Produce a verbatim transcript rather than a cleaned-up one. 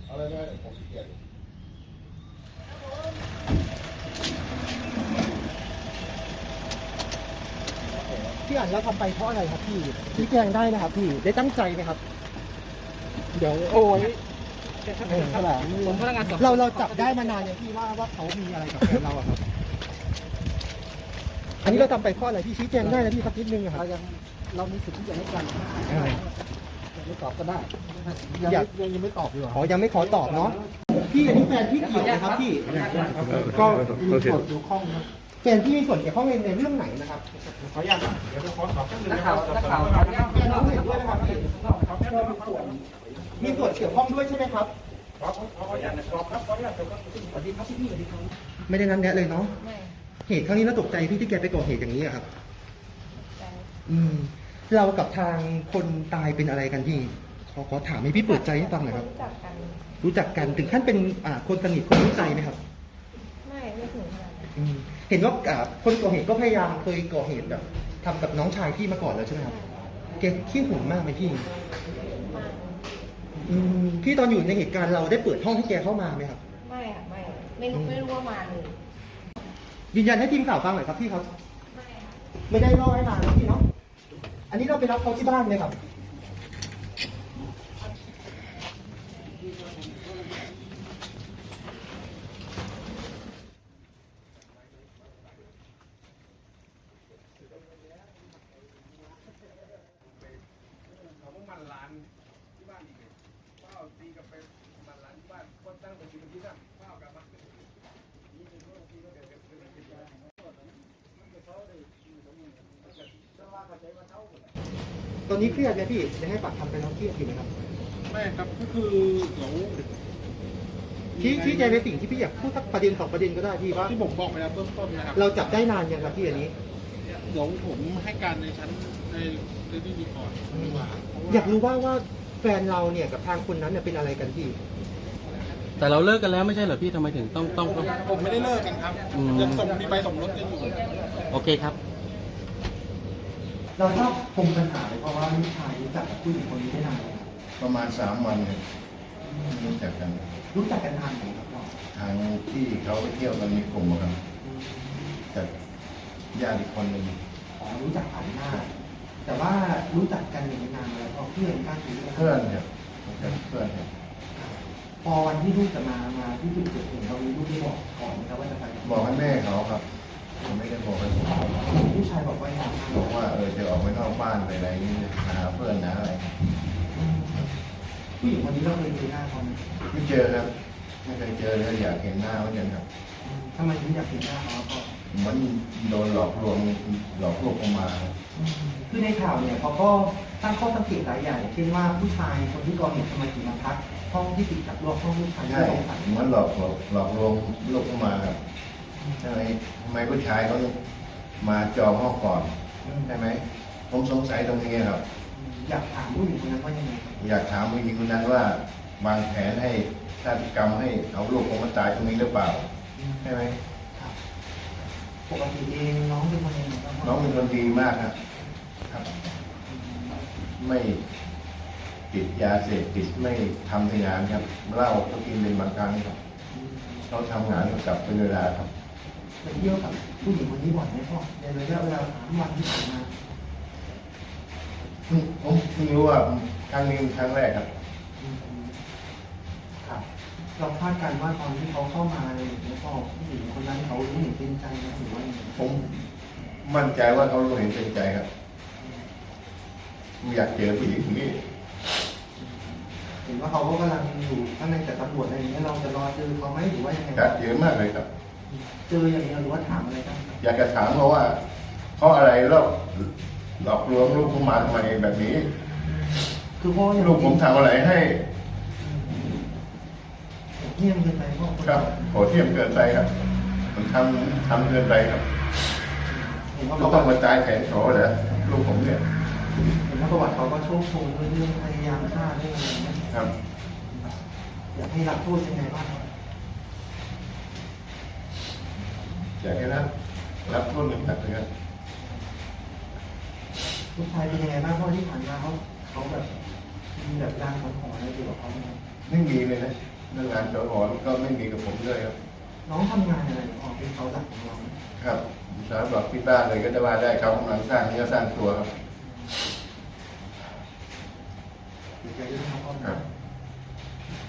เอาเลยได้ผมขี้เกียจพี่อ่านแล้วทำไปเพราะอะไรครับพี่ชี้แจงได้นะครับพี่ได้ตั้งใจไหมครับเดี๋ยวโอ้ยเออแหละเราเราจับได้มานานอย่างพี่ว่าว่าเขามีอะไรกับแฟนเราอะครับอันนี้เราทำไปเพราะอะไรพี่ชี้แจงได้นะพี่สักนิดนึงอะครับเรายังเรามีสิทธิ์ที่จะให้กันเออไม่ตอบก็ได้ยังอยากยังยังไม่ตอบดีกว่าขอยังไม่ขอตอบเนาะพี่อันนี้แฟนพี่เกี่ยวไหมครับพี่ก็มีส่วนเกี่ยวข้องครับแฟนพี่มีส่วนเกี่ยวข้องในในเรื่องไหนนะครับขออนุญาตเดี๋ยวจะขอสอบแป๊บนึงนักนะคข่ารัวบนักข่าวขออนุญาตแฟนเราเห็นด้วยนะครับพี่มีส่วนเกี่ยวข้องด้วยใช่ไหมครับขอขออนุญาตสอบครับขออนุญาตสอบครับสวัสดีครับพี่สวัสดีครับไม่ได้นั้นแนะเลยเนาะไม่เหตุครั้งนี้น่าตกใจพี่ที่แกไปก่อเหตุอย่างนี้อะครับแต่อืม เรากับทางคนตายเป็นอะไรกันพี่ขอขอถามให้พี่เปิดใจให้ฟังหน่อยครับรู้จักกันรู้จักกันถึงขั้นเป็นอ่าคนสนิทคนรู้ใจไหมครับไม่ไม่ถึงขนาดนั้นอืมเห็นว่าอ่าคนก่อเหตุก็พยายามเคยก่อเหตุแบบทำกับน้องชายพี่มาก่อนแล้วใช่ไหมครับแกขี้หึงมากไหมพี่มากอืมพี่ตอนอยู่ในเหตุการณ์เราได้เปิดห้องให้แกเข้ามาไหมครับไม่อะไม่ไม่รู้ไม่รู้ว่ามาเลยยืนยันให้ทีมข่าวฟังหน่อยครับพี่ครับไม่อะไม่ได้ล่อให้มานะพี่เนาะอันนี้เราไปรับเขาที่บ้านไหมครับเขาก็มันร้านที่บ้านอีกเลยเป้าตีกับไปมันร้านที่บ้านก็ตั้งไปตีกับที่นั่นเป้ากลับมานี่เป็นพวกที่ก็เดี๋ยวเดี๋ยวเดี๋ยวเดี๋ยวเดี๋ยวตอนนี้เครียดไหมพี่ได้ให้ปากคำไปแล้วเครียดอยู่ไหมครับไม่ครับก็คือเดี๋ยวชี้ชี้แจงในสิ่งที่พี่อยากพูดสักประเด็นสองประเด็นก็ได้พี่ว่าที่ผมบอกไปแล้วต้นๆนะครับเราจับได้นานยังครับพี่อันนี้เดี๋ยวผมให้การในชั้นในในที่มีก่อนดีกว่าเพราะว่าอยากรู้ว่าว่าแฟนเราเนี่ยกับทางคนนั้นเนี่ยเป็นอะไรกันพี่แต่เราเลิกกันแล้วไม่ใช่เหรอพี่ทำไมถึงต้องต้องต้องผมไม่ได้เลิกกันครับอืมยังส่งมีใบสมรสกันอยู่โอเคครับเราทราบปมปัญหาเลยเพราะว่าลูกชายรู้จักกับผู้หญิงคนนี้ได้นานแล้วประมาณสามวันเนี่ยรู้จักกันรู้จักกันนานไหมครับพ่อทางที่เขาไปเที่ยวกันมีกลุ่มอะครับจากญาติอีกคนหนึ่งอ๋อรู้จักผ่านหน้า แต่ว่ารู้จักกันอย่างนานแล้วก็เพื่อนกันหรือเพื่อนครับรู้จักเพื่อนครับพอวันที่ลูกจะมามาที่จุดเกิดเหตุเรามีลูกที่บอกก่อนนะครับว่าจะไปบอกให้แม่เขาครับผมไม่ได้บอกให้ผมผู้ชายบอกว่าอย่างไรบอกว่าเออจะออกไปนอกบ้านไปอะไรนี่หาเพื่อนหาอะไรผู้หญิงคนนี้เราเคยเจอหน้าเขาไหมไม่เจอครับไม่เคยเจอเลยอยากเห็นหน้าเหมือนกันครับทำไมถึงอยากเห็นหน้าเขาก็มันโดนหลอกลวงหลอกลวงออกมาครับคือในข่าวเนี่ยเขาก็ตั้งข้อสังเกตหลายอย่างเช่นว่าผู้ชายคนที่ก่อเหตุทำไมถึงมาพักห้องที่ติดกับรั้วห้องลูกชายที่ใช่สงสัยเหมันหลอกหลอกหลอกลวงลูกเข้ามาครับทำไมทำไมผู้ชายเขามาจองห้องก่อนใช่ไหมผมสงสัยตรงนี้ครับอยากถามผู้หญิงคนนั้นว่ายังไงครับอยากถามผู้หญิงคนนั้นว่าวางแผนให้ฆาตกรรมให้เอาลูกผมมาตายตรงนี้หรือเปล่าใช่ไหมครับปกติเองน้องเป็นคนยังไงครับน้องเป็นคนดีมากครับครับ ไม่ติดยาเสพติดไม่ทำงานครับเหล้าก็กินเป็นบางครั้งครับเขาทำงานก็กลับเป็นเวลาครับไปเที่ยวกับผู้หญิงคนนี้บ่อยไหมพ่อในระยะเวลาสามวันที่ผ่านมาเพิ่งผมเพิ่งรู้ว่าครั้งนี้เป็นครั้งแรกครับครับเราคาดการณ์ว่าตอนที่เขาเข้ามาเลยแล้วก็ผู้หญิงคนนั้นเขารู้เห็นเป็นใจนะหรือว่ายังไงผมมั่นใจว่าเขารู้เห็นเป็นใจครับผมอยากเจอผู้หญิงคนนี้เห็นว่าเขาก็กำลังอยู่ข้างในแต่ตำรวจอะไรอย่างเงี้ยเราจะรอเจอเขาไหมหรือว่ายังไงอยากเจอมากเลยครับเจออย่างเดียวหรือว่าถามอะไรบ้างอยากจะถามเขาว่าเขาอะไรแล้วหลอกลวงลูกผมมาทำไมแบบนี้คือพ่อยังลูกผมทำอะไรให้เงียบเกินไปพ่อครับโหดเที่ยมเกินไปครับมันทำทำเกินไปครับเห็นว่าเขาประต้วัองติมาตายแขนโฉเหรอลูกผมเนี่ยเห็นว่าประวัติเขาก็โชคโชนด้วยเรื่องพยายามฆ่าเรื่องอะไรอย่างเงี้ยครับอยากให้รับโทษยังไงบ้างครับอยากให้รับรับโทษหนึ่งหนักเลยครับลูกชายเป็นยังไงบ้างพ่อที่ผ่านมาเขาเขาแบบมีแบบรางสังหรณ์อะไรเกี่ยวกับเขาไหมครับไม่มีเลยนะอเรื่องงานสอหอก็ไม่มีกับผมด้วยครับน้องทำงานอะไรอ๋อเป็นเขาหลักของเราครับสาวบอกที่บ้านเลยก็จะว่าได้เขากำลังสร้างเนื้อสร้างตัวครับเดี๋ยวจะเรื่องเขาครับ